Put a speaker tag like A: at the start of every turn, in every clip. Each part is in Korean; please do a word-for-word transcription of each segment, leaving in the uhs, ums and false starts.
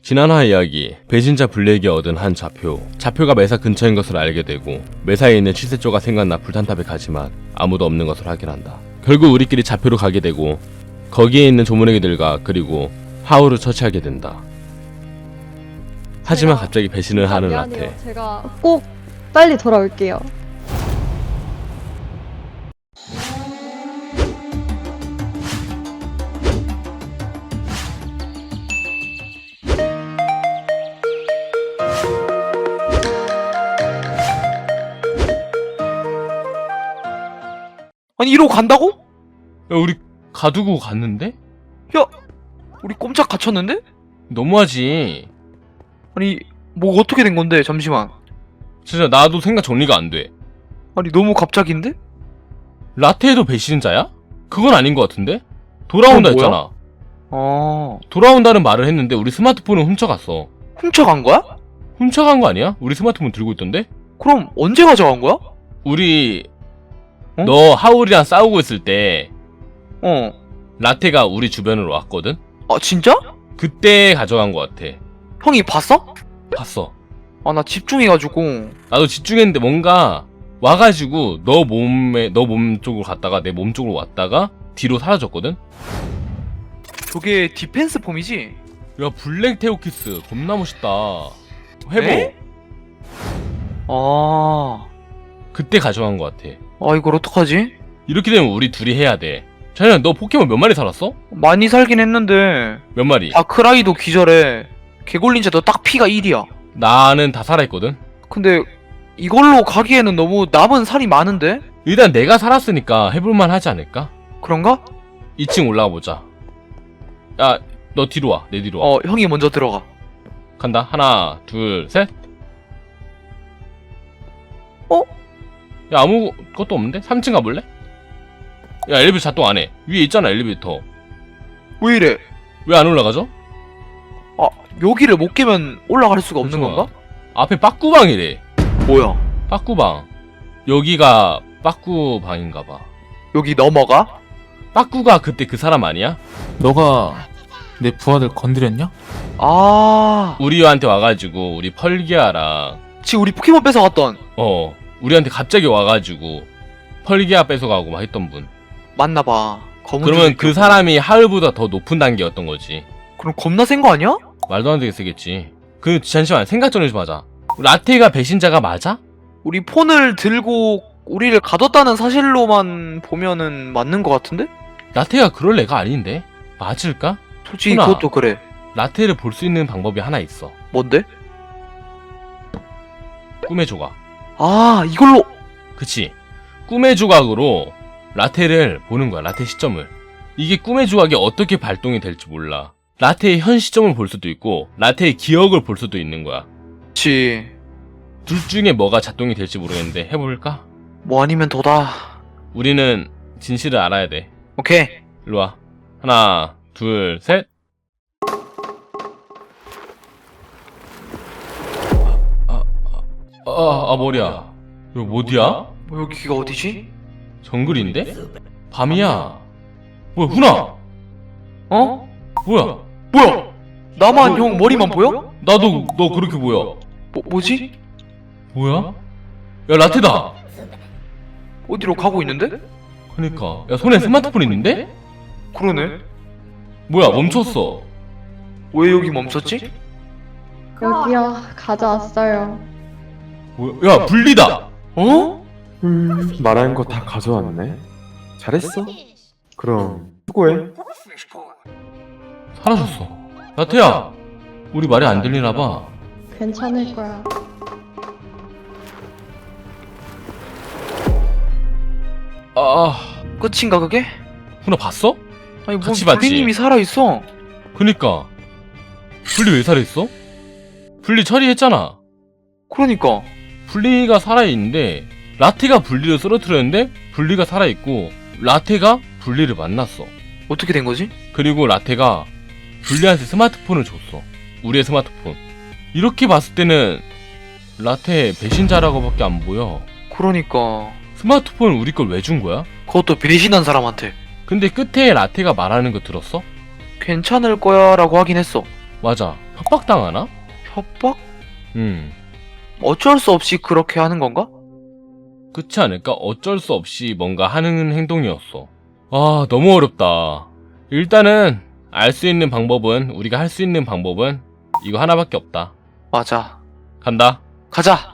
A: 지난화 이야기, 배신자 블랙이 얻은 한 좌표. 좌표가 매사 근처인 것을 알게 되고 매사에 있는 칠세조가 생각나 불탄탑에 가지만 아무도 없는 것을 확인한다. 결국 우리끼리 좌표로 가게 되고 거기에 있는 조문애기들과 그리고 하울을 처치하게 된다. 하지만 갑자기 배신을 하는
B: 미안해요.
A: 라테.
B: 제가 꼭 빨리 돌아올게요.
C: 아니 이러고 간다고?
A: 야, 우리 가두고 갔는데?
C: 야, 우리 꼼짝 갇혔는데?
A: 너무하지.
C: 아니 뭐 어떻게 된 건데? 잠시만.
A: 진짜 나도 생각 정리가 안 돼.
C: 아니 너무 갑작인데?
A: 라테도 배신자야? 그건 아닌 것 같은데? 돌아온다
C: 그건 뭐야?
A: 했잖아.
C: 어,
A: 돌아온다는 말을 했는데 우리 스마트폰은 훔쳐갔어.
C: 훔쳐간 거야?
A: 훔쳐간 거 아니야? 우리 스마트폰 들고 있던데?
C: 그럼 언제 가져간 거야?
A: 우리
C: 어?
A: 너 하울이랑 싸우고 있을 때
C: 어.
A: 라테가 우리 주변으로 왔거든?
C: 아 진짜?
A: 그때 가져간 것 같아.
C: 형이 봤어?
A: 봤어.
C: 아 나 집중해가지고.
A: 나도 집중했는데 뭔가 와가지고 너 몸에 너 몸 쪽으로 갔다가 내 몸 쪽으로 왔다가 뒤로 사라졌거든?
C: 저게 디펜스 폼이지?
A: 야 블랙 테오키스 겁나 멋있다. 회복.
C: 에? 아,
A: 그때 가져간 것 같아.
C: 아 이걸 어떡하지?
A: 이렇게 되면 우리 둘이 해야 돼. 자연아 너 포켓몬 몇 마리 살았어?
C: 많이 살긴 했는데
A: 몇 마리?
C: 다크라이도 기절해. 개골린자도 딱 피가 일이야.
A: 나는 다 살아있거든?
C: 근데 이걸로 가기에는 너무 남은 살이 많은데?
A: 일단 내가 살았으니까 해볼만 하지 않을까?
C: 그런가?
A: 이 층 올라가 보자. 야, 너 뒤로 와. 내 뒤로 와.
C: 어, 형이 먼저 들어가.
A: 간다. 하나, 둘, 셋.
C: 어?
A: 야, 아무것도 없는데? 삼 층 가볼래? 야, 엘리베이터 작동 안 해. 위에 있잖아, 엘리베이터.
C: 왜 이래?
A: 왜 안 올라가죠?
C: 아, 여기를 못 깨면 올라갈 수가 없는
A: 잠시만.
C: 건가?
A: 앞에 빠꾸방이래.
C: 뭐야?
A: 빠꾸방. 여기가 빠꾸방인가봐.
C: 여기 넘어가?
A: 빠꾸가 그때 그 사람 아니야?
D: 너가 내 부하들 건드렸냐?
C: 아,
A: 우리한테 와가지고 우리 펄기아랑
C: 지금 우리 포켓몬 뺏어갔던.
A: 어 우리한테 갑자기 와가지고 펄기아 뺏어가고 막 했던 분.
C: 맞나봐. 검은
A: 그러면
C: 줄이
A: 그
C: 있구나.
A: 사람이 하울보다 더 높은 단계였던 거지.
C: 그럼 겁나 센 거 아니야?
A: 말도 안 되게 세겠지. 그 잠시만 생각 좀 해보자. 라테가 배신자가 맞아?
C: 우리 폰을 들고 우리를 가뒀다는 사실로만 보면은 맞는 거 같은데?
A: 라테가 그럴 애가 아닌데? 맞을까?
C: 솔직히
A: 훈아.
C: 그것도 그래.
A: 라테를 볼 수 있는 방법이 하나 있어.
C: 뭔데?
A: 꿈의 조각.
C: 아, 이걸로.
A: 그치? 꿈의 조각으로 라테를 보는 거야. 라테 시점을. 이게 꿈의 조각이 어떻게 발동이 될지 몰라. 라테의 현 시점을 볼 수도 있고 라테의 기억을 볼 수도 있는 거야.
C: 그치.
A: 둘 중에 뭐가 작동이 될지 모르겠는데 해볼까?
C: 뭐 아니면 도다.
A: 우리는 진실을 알아야 돼.
C: 오케이.
A: 일로와. 하나 둘 셋. 아, 아, 아, 아 머리야. 이거 어디야?
C: 뭐 여기가 어디지?
A: 정글인데? 밤이야. 뭐야 훈아.
C: 어?
A: 뭐야?
C: 뭐야? 나만 형 머리만 보여?
A: 나도 너 그렇게 보여.
C: 뭐, 뭐지?
A: 뭐야? 야 라테다.
C: 어디로 가고 있는데?
A: 그니까 야 손에 스마트폰 있는데?
C: 그러네.
A: 뭐야 멈췄어.
C: 왜 여기 멈췄지?
B: 여기요. 가져왔어요.
A: 뭐야? 야 분리다.
C: 어?
E: 음, 말한 거 다 가져왔네. 잘했어. 그럼 수고해.
A: 사라졌어. 라테야 우리 말이 안 들리나봐.
B: 괜찮을 거야.
A: 아
C: 끝인가 그게?
A: 훈아 봤어?
C: 아니 뭐
A: 같이 봤지?
C: 불리님이 살아있어.
A: 그니까 분리 왜 살아있어? 분리 처리했잖아.
C: 그러니까.
A: 분리가 살아있는데 라테가 분리를 쓰러뜨렸는데 분리가 살아있고 라테가 분리를 만났어.
C: 어떻게 된 거지?
A: 그리고 라테가 분리한테 스마트폰을 줬어. 우리의 스마트폰. 이렇게 봤을 때는 라테 배신자라고밖에 안 보여.
C: 그러니까.
A: 스마트폰 우리 걸 왜 준 거야?
C: 그것도 배신한 사람한테.
A: 근데 끝에 라테가 말하는 거 들었어?
C: 괜찮을 거야 라고 하긴 했어.
A: 맞아. 협박당하나?
C: 협박?
A: 음.
C: 어쩔 수 없이 그렇게 하는 건가?
A: 그렇지 않을까? 어쩔 수 없이 뭔가 하는 행동이었어. 아, 너무 어렵다. 일단은 알 수 있는 방법은, 우리가 할 수 있는 방법은 이거 하나밖에 없다.
C: 맞아.
A: 간다.
C: 가자.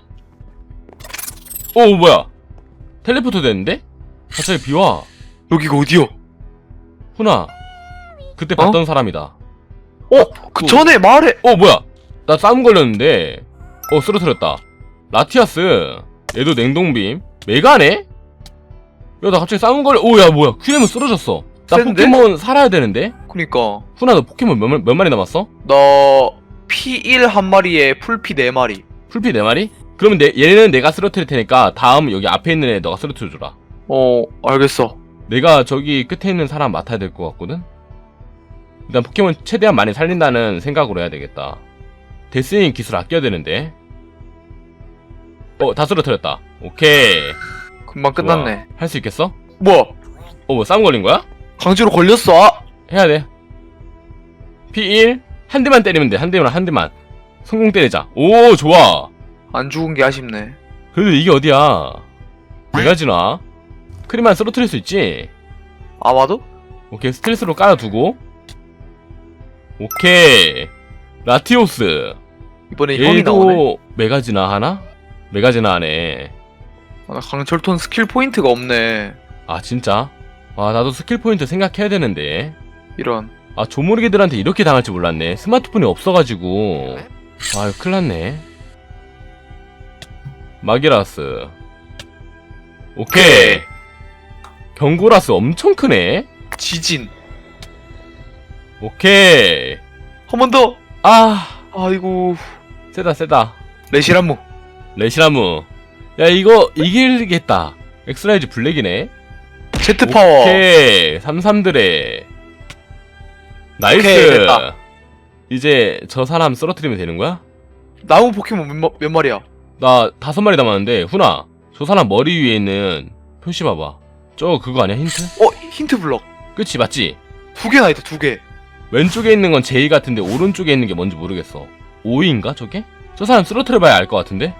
A: 오, 뭐야? 텔레포트 됐는데? 갑자기 비와.
C: 여기가 어디요?
A: 훈아, 그때 봤던 사람이다.
C: 어? 그 전에 말해.
A: 어, 뭐야? 나 싸움 걸렸는데. 어, 쓰러뜨렸다. 라티아스. 얘도 냉동빔. 메가네? 야, 나 갑자기 싸움 걸려. 오, 야, 뭐야? 큐엠은 쓰러졌어. 나
C: 센데?
A: 포켓몬 살아야 되는데?
C: 그니까
A: 훈아, 너 포켓몬 몇, 마- 몇 마리 남았어?
C: 나 피 일 한 마리에 풀피 네 마리.
A: 풀피 네 마리? 그러면 내, 얘는 내가 쓰러뜨릴 테니까 다음 여기 앞에 있는 애 너가 쓰러뜨려줘라.
C: 어, 알겠어.
A: 내가 저기 끝에 있는 사람 맡아야 될 것 같거든? 일단 포켓몬 최대한 많이 살린다는 생각으로 해야 되겠다. 데스윙 기술 아껴야 되는데. 어, 다 쓰러뜨렸다. 오케이.
C: 금방 끝났네.
A: 할 수 있겠어?
C: 뭐야?
A: 어, 뭐 싸움 걸린 거야?
C: 강제로 걸렸어. 아!
A: 해야 돼. 피 일. 한 대만 때리면 돼. 한 대만, 한 대만. 성공 때리자. 오, 좋아.
C: 안 죽은 게 아쉽네.
A: 그래도 이게 어디야? 내가 지나? 크리만 쓰러뜨릴 수 있지?
C: 아마도?
A: 오케이, 스트레스로 깔아두고. 오케이. 라티오스.
C: 이번에 형이 나오네.
A: 얘도 메가지나 하나? 메가지나 하네.
C: 아, 나 강철톤 스킬 포인트가 없네.
A: 아, 진짜? 아, 나도 스킬 포인트 생각해야 되는데.
C: 이런.
A: 아, 조모르게들한테 이렇게 당할 줄 몰랐네. 스마트폰이 없어가지고. 아유, 큰일났네. 마기라스. 오케이. 경고라스 엄청 크네.
C: 지진.
A: 오케이.
C: 한 번 더.
A: 아,
C: 아이고.
A: 세다, 세다.
C: 레시란무.
A: 레시라무. 야, 이거 이길겠다. 엑스라이즈 블랙이네.
C: 제트 파워.
A: 오케이. 삼삼드레. 나이스.
C: 오케이, 됐다.
A: 이제 저 사람 쓰러뜨리면 되는 거야?
C: 나무 포켓몬 몇, 마, 몇 마리야?
A: 나 다섯 마리 남았는데, 훈아. 저 사람 머리 위에 있는 표시 봐봐. 저 그거 아니야, 힌트?
C: 어, 힌트 블럭.
A: 그치, 맞지?
C: 두 개나 있다, 두 개.
A: 왼쪽에 있는 건 제이 같은데 오른쪽에 있는 게 뭔지 모르겠어. 오이인가 저게? 저 사람 쓰러뜨려봐야 알 것 같은데?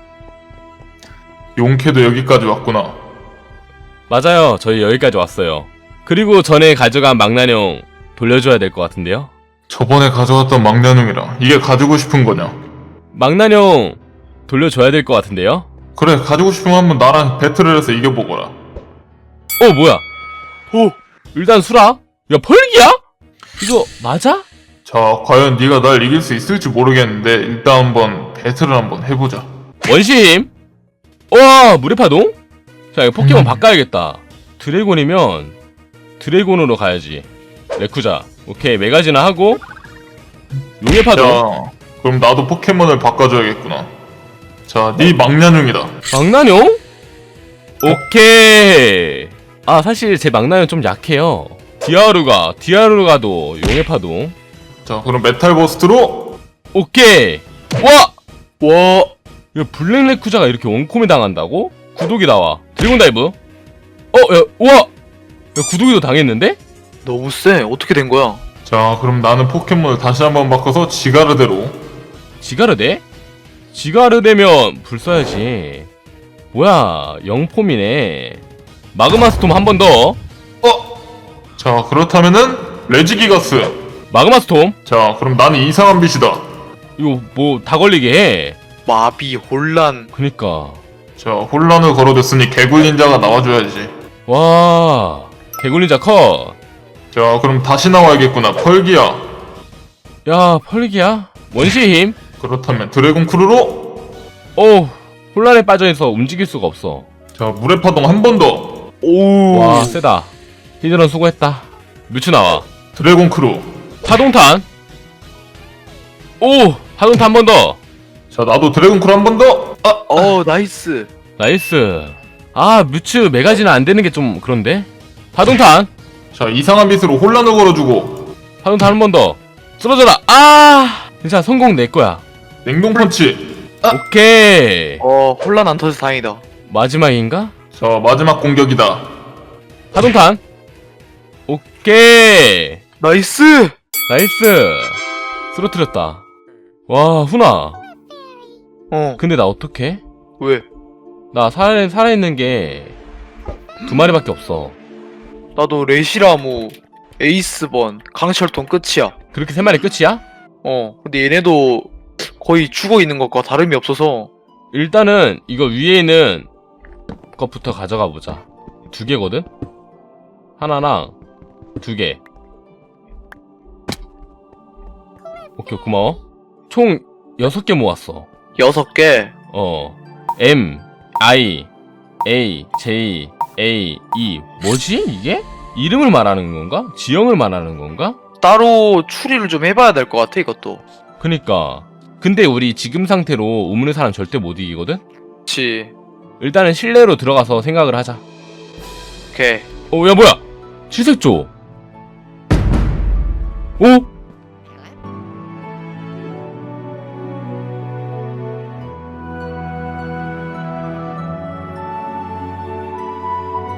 D: 용케도 여기까지 왔구나.
A: 맞아요. 저희 여기까지 왔어요. 그리고 전에 가져간 망나뇽 돌려줘야 될 것 같은데요?
D: 저번에 가져왔던 망나뇽이랑 이게 가지고 싶은 거냐?
A: 망나뇽 돌려줘야 될 것 같은데요?
D: 그래, 가지고 싶으면 한번 나랑 배틀을 해서 이겨보거라.
A: 어, 뭐야? 오, 일단 수락? 야, 펄기야? 이거 맞아?
D: 자, 과연 네가 날 이길 수 있을지 모르겠는데 일단 한번 배틀을 한번 해보자.
A: 원심? 와, 물의 파동? 자, 이거 포켓몬
D: 음.
A: 바꿔야겠다. 드래곤이면 드래곤으로 가야지. 레쿠자. 오케이, 메가지나 하고 용의 파동.
D: 자, 그럼 나도 포켓몬을 바꿔줘야겠구나. 자, 네 망나뇽이다.
A: 망나뇽? 오케이. 아, 사실 제 망나뇽 좀 약해요. 디아루가, 디아루가도 용의 파동.
D: 자, 그럼 메탈 버스트로.
A: 오케이. 와!
C: 와,
A: 이거 블랙 레쿠자가 이렇게 원콤에 당한다고? 구독이 나와. 드래곤 다이브. 어, 야, 우와! 야, 구독이도 당했는데?
C: 너무 세. 어떻게 된 거야?
D: 자, 그럼 나는 포켓몬을 다시 한번 바꿔서 지가르대로.
A: 지가르대? 지가르대면 불 써야지. 뭐야, 영폼이네. 마그마 스톰 한 번 더.
D: 어? 자, 그렇다면은 레지기가스.
A: 마그마 스톰.
D: 자, 그럼 나는 이상한 빛이다.
A: 이거 뭐 다 걸리게 해.
C: 마비, 혼란.
A: 그니까.
D: 자, 혼란을 걸어댔으니 개굴린자가 나와줘야지.
A: 와, 개굴린자 컷.
D: 자, 그럼 다시 나와야겠구나. 펄기야.
A: 야, 펄기야? 원시의 힘?
D: 그렇다면 드래곤 크루로.
A: 오, 혼란에 빠져있어 움직일 수가 없어.
D: 자, 물의 파동 한 번 더.
C: 오.
A: 와, 세다. 히드런 수고했다. 뮤츠 나와.
D: 드래곤 크루.
A: 파동탄. 오, 파동탄 한 번 더.
D: 자, 나도 드래곤 크루 한 번 더. 아,
C: 어, 나이스.
A: 나이스. 아, 뮤츠 메가지는 안 되는 게 좀 그런데? 파동탄.
D: 자, 이상한 빛으로 혼란을 걸어주고.
A: 파동탄 한 번 더. 쓰러져라. 아, 괜찮아. 성공 내 거야.
D: 냉동 펀치.
A: 오케이.
C: 어, 혼란 안 터져서 다행이다.
A: 마지막인가?
D: 자, 마지막 공격이다.
A: 파동탄. 오케이.
C: 나이스.
A: 나이스. 쓰러뜨렸다. 와, 훈아.
C: 어.
A: 근데 나 어떡해?
C: 왜?
A: 나 살아, 살아있는 게 두 마리밖에 없어.
C: 나도 레시라무, 에이스번, 강철통 끝이야.
A: 그렇게 세 마리 끝이야?
C: 어. 근데 얘네도 거의 죽어 있는 것과 다름이 없어서.
A: 일단은 이거 위에 있는 것부터 가져가 보자. 두 개거든? 하나랑 두 개. 오케이, 고마워. 총 여섯 개 모았어.
C: 여섯 개.
A: 어. M, I, A, J, A, E. 뭐지, 이게? 이름을 말하는 건가? 지형을 말하는 건가?
C: 따로 추리를 좀 해봐야 될 것 같아, 이것도.
A: 그니까. 근데 우리 지금 상태로 우물의 사람 절대 못 이기거든?
C: 그치.
A: 일단은 실내로 들어가서 생각을 하자.
C: 오케이.
A: 어, 야, 뭐야? 칠색조. 어?